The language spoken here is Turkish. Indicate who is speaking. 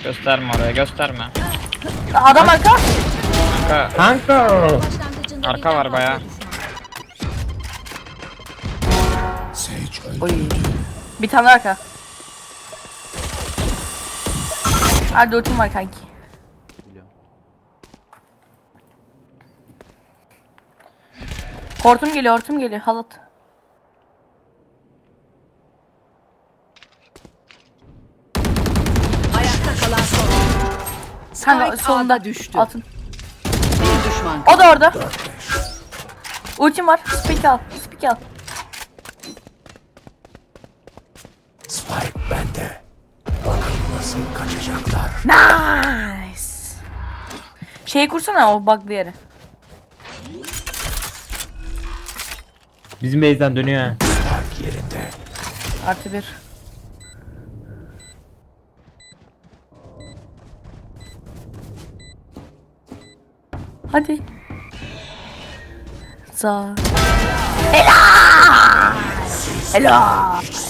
Speaker 1: Gösterme oraya, gösterme.
Speaker 2: Adam arka.
Speaker 1: Kanka,
Speaker 3: Başlangıcında
Speaker 1: arka
Speaker 3: birden
Speaker 1: var bayağı.
Speaker 3: düşman.
Speaker 2: Oy. Bir tane arka. Hadi ultim var kanki. Hortum geliyor, hortum geliyor. Halat.
Speaker 4: Ayakta kalan son.
Speaker 2: Kanka
Speaker 4: Spike
Speaker 2: solunda
Speaker 4: A'da düştü.
Speaker 2: altın.
Speaker 4: Bir düşman.
Speaker 2: O da orada. Ultim var. Spike al. Spike al.
Speaker 5: Spike bende. Bakın nasıl kaçacaklar.
Speaker 2: Nice. Şeyi kursana o bug'lı yere.
Speaker 1: Bizim base'den dönüyor ha.
Speaker 5: Spike yerinde.
Speaker 2: Artı bir. Hadi. Za. Helal. Helal.